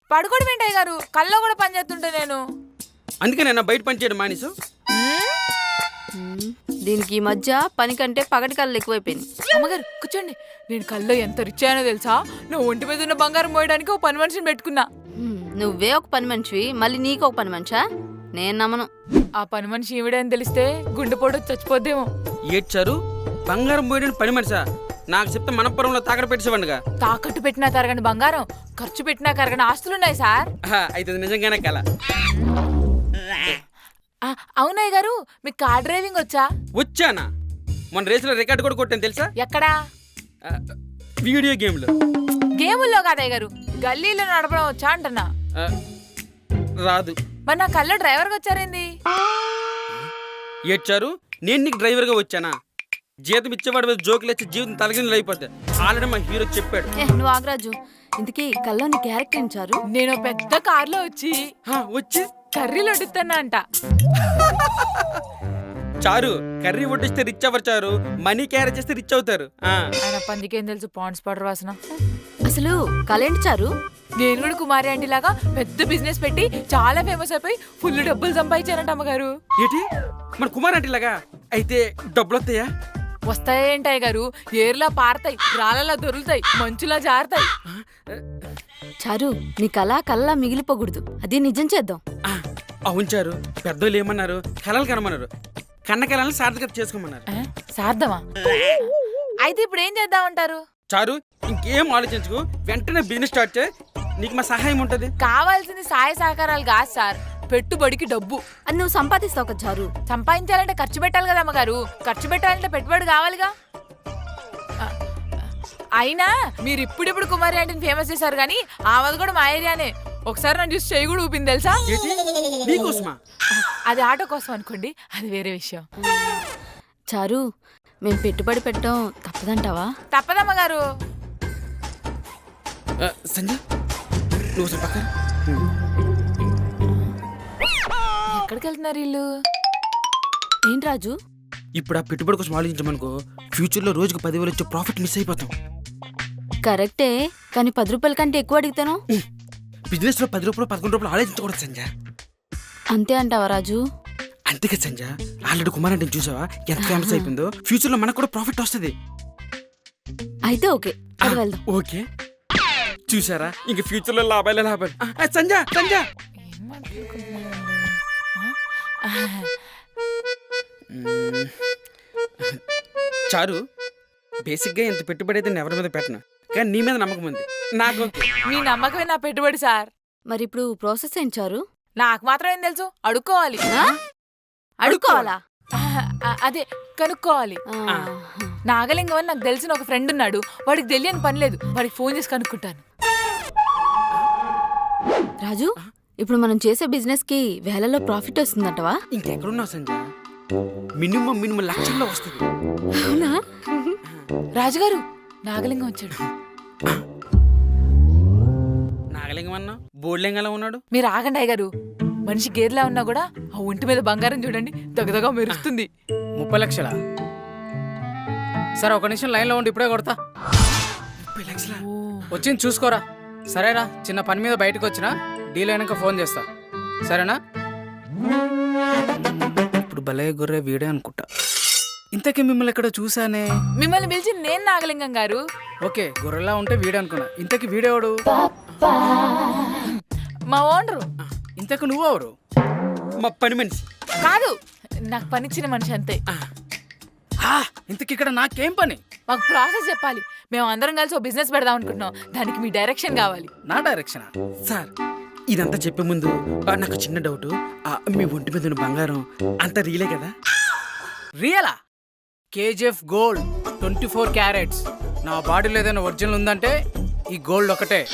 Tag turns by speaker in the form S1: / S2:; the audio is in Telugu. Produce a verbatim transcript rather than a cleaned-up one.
S1: పడుకోవడం ఏంటయ్య గారు, కల్లో కూడా పని చేస్తుంటే నేను.
S2: అందుకే నేను బయట పని చేయడం మానేసు.
S3: దీనికి ఈ మధ్య పని కంటే పగటి కళ్ళు ఎక్కువైపోయింది.
S1: అమ్మగారు కూర్చోండి. నేను కల్లో ఎంత రిచ్ అయ్యానో తెలుసా? నా ఒంటి మీద ఉన్న బంగారం మోయడానికి ఒక పని మనిషిని పెట్టుకున్నా.
S3: నువ్వే ఒక పని మనిషివి, మళ్ళీ నీకు ఒక పని మనిషా? నేను నమ్మను.
S1: ఆ పని మనిషి ఈవిడే అని తెలిస్తే గుండెపోటు చచ్చిపోద్దేమో.
S2: ఏడ్చారు బంగారం పోయడానికి పని మనిషా? నాకు చెప్తే మనపురంలో తాకడ పెట్టేసేవాడిగా.
S1: తాకట్టు పెట్టినా తరగని బంగారం, ఖర్చు పెట్టినా కరగని ఆస్తులున్నాయి సార్.
S2: అయితే నిజంగానే కల.
S1: అవునయ్య గారు, మీకు కార్ డ్రైవింగ్ వచ్చా?
S2: వచ్చానా? మన రేసులో రికార్డు కూడా కొట్టాను తెలుసా?
S1: ఎక్కడా?
S2: వీడియో గేమ్లో.
S1: గేముల్లో కాదయ్య గారు, గల్లీలో నడపడం వచ్చా అంటున్నా.
S2: రాదు.
S1: మరి నా కల్లో డ్రైవర్గా వచ్చారేంది?
S2: ఏడ్చారు నేను నీకు డ్రైవర్గా వచ్చానా? జీతం ఇచ్చేవాడు మీద జోకులు వచ్చి జీవితం తలగిందులు అయిపోద్ది. ఆల్రెడీ మా హీరో చెప్పాడు.
S3: నువ్వు ఆగరాజు, ఇంతకీ కల్లో నీ క్యారెక్టర్ ఇచ్చారు?
S1: నేను పెద్ద కార్లో వచ్చి
S2: వచ్చి
S1: కర్రీలు వడ్డిస్తానా అంట.
S2: చారు కర్రీ వడ్డిస్తే రిచ్ అవ్వరు చారు, మనీ క్యారేజ్ చేస్తే రిచ్ అవుతారు.
S1: ఆయన పందికేం తెలుసు పాండ్స్ పౌడర్ వాసన.
S3: అసలు కళ ఏంటి చారు?
S1: నేను కూడా కుమారి ఆంటీ లాగా పెద్ద బిజినెస్ పెట్టి చాలా ఫేమస్ అయిపోయి ఫుల్ డబ్బులు సంపాదించానంట అమ్మగారు.
S2: ఏంటి మన కుమార్ ఆంటీ లాగా? అయితే డబ్బులు వస్తాయా?
S1: వస్తాయేంటాయి గారు, ఏర్లా పారతాయి, రాళ్ళలా దొరుకుతాయి, మంచులా జారుతాయి.
S3: చారు నీ కళ కళ్ళ మిగిలిపోకూడదు, అది నిజం చేద్దాం.
S2: అవును చారు, పెద్దోళ్ళు ఏమన్నారు? కలలు కనమన్నారు, కన్న కళలను సార్థకత చేసుకోమన్నారు.
S1: సార్థమా? అయితే ఇప్పుడు ఏం చేద్దామంటారు?
S2: చారు ఇంకేం ఆలోచించుకు, వెంటనే బిజినెస్ స్టార్ట్ చేయి, నీకు మా సహాయం ఉంటది.
S1: కావాల్సింది సహాయ సహకారాలు కాదు సార్, పెట్టుబడికి డబ్బు.
S3: అది నువ్వు సంపాదిస్తావు కదా చారు.
S1: సంపాదించాలంటే ఖర్చు పెట్టాలి కదా అమ్మగారు, ఖర్చు పెట్టాలంటే పెట్టుబడి కావాలిగా. అయినా మీరు ఇప్పుడిప్పుడు కుమారి ఆంటీని ఫేమస్ చేశారు కానీ ఆమెది కూడా మా ఏరియానే. ఒకసారి నన్ను చూసి చేయి కూడా ఊపింది తెలుసా? అది ఆటో కోసం అనుకోండి, అది వేరే విషయం.
S3: చారు మేము పెట్టుబడి పెట్టడం తప్పదంటావా?
S1: తప్పదమ్మగారు.
S2: సంజయ్ నువ్వు పక్కన.
S1: ఎక్కడికి వెళ్తున్నారు వీళ్ళు?
S3: ఏంటి రాజు?
S2: ఇప్పుడు ఆ పెట్టుబడి కోసం ఆలోచించమనుకో, ఫ్యూచర్ లో రోజుకు పదివేలు వచ్చే ప్రాఫిట్ మిస్ అయిపోతాం.
S3: కరెక్టే, కానీ పది రూపాయల కంటే ఎక్కువ అడుగుతాను.
S2: బిజినెస్ లో పది రూపాయలు పదకొండు రూపాయలు ఆలోచించకూడదు సంజయ్.
S3: అంతే అంటావా రాజు?
S2: అంతేగా సంజయ్, ఆల్రెడీ కుమార్ అంటే చూసావా ఎంత ఫేమస్ అయిపోయిందో? ఫ్యూచర్ లో మనకు కూడా ప్రాఫిట్ వస్తుంది.
S3: అయితే ఓకే, అది వెళ్దాం.
S2: ఓకే చూసారా, ఇంక ఫ్యూచర్ లో లాభాలే లాభాలు. సంజయ్ సంజయ్ చారు, బేసిక్ గా ఇంత పెట్టుబడి అయితే ఎవరి మీద పెట్టను, కానీ నీ మీద నమ్మకం ఉంది నాకు.
S1: మీ నమ్మకమే నా పెట్టుబడి సార్.
S3: మరి ఇప్పుడు ప్రాసెస్ ఏంటి చారు?
S1: నాకు మాత్రం ఏం తెలుసు, అడుక్కోవాలి.
S3: అడుక్కోవాలా?
S1: అదే కనుక్కోవాలి. నాగలింగం అని నాకు తెలిసిన ఒక ఫ్రెండ్ ఉన్నాడు, వాడికి తెలియని పని లేదు, వాడికి ఫోన్ చేసి కనుక్కుంటాను.
S3: రాజు, ఇప్పుడు మనం చేసే బిజినెస్ కి వేలలో ప్రాఫిట్ వస్తుందంటవా?
S2: ఇంకెక్కడున్నావు సంజయ్, మినిమం మినిమం లక్షల్లో వస్తుంది.
S3: అవునా?
S1: రాజుగారు, నాగలింగం వచ్చాడు.
S2: నాగలింగం అన్నా బోర్లింగంలా ఉన్నాడు.
S1: మీరు ఆగండి అయ్యగారు, మనిషి గేదెలా ఉన్నా కూడా ఆ ఒంటి మీద బంగారం చూడండి, దగదగా మెరుస్తుంది.
S4: ముప్పై లక్షలా? సరే ఒక నిమిషం లైన్లో ఉండి ఇప్పుడే కొడతా.
S2: ముప్పై లక్షలా?
S4: వచ్చింది చూసుకోరా. సరేరా, చిన్న పని మీద బయటకు వచ్చినా, డీల్ అయినాక ఫోన్ చేస్తా, సరేనా? ఇప్పుడు భలే గొర్రె వీడే అనుకుంటా. ఇంతకీ మిమ్మల్ని ఎక్కడ చూసానే?
S1: మిమ్మల్ని పిలిచి నేను నాగలింగం గారు.
S4: ఓకే, గొర్రెలా ఉంటే వీడే అనుకున్నా. ఇంతకీ వీడేవాడు?
S1: మా ఓనరు.
S4: ఇంతకు నువ్వెవరు?
S2: మా పని మనిషి.
S1: కాదు, నాకు పనిచ్చిన మనిషి అంతే.
S4: ఇంతకి ఇక్కడ నాకేం పని?
S1: మాకు ప్రాసెస్ చెప్పాలి, మేము అందరం కలిసి ఒక బిజినెస్ పెడదాం అనుకుంటున్నాం, దానికి మీ డైరెక్షన్ కావాలి.
S4: నా డైరెక్షన్?
S2: సార్ ఇదంతా చెప్పే ముందు నాకు చిన్న డౌట్, మీ ఒంటి మీద ఉన్న బంగారం అంతా రియలే కదా?
S4: రియలా? KGF gold twenty four carats. నా బాడీలో ఏదైనా ఒరిజినల్ ఉందంటే ఈ గోల్డ్ ఒకటే.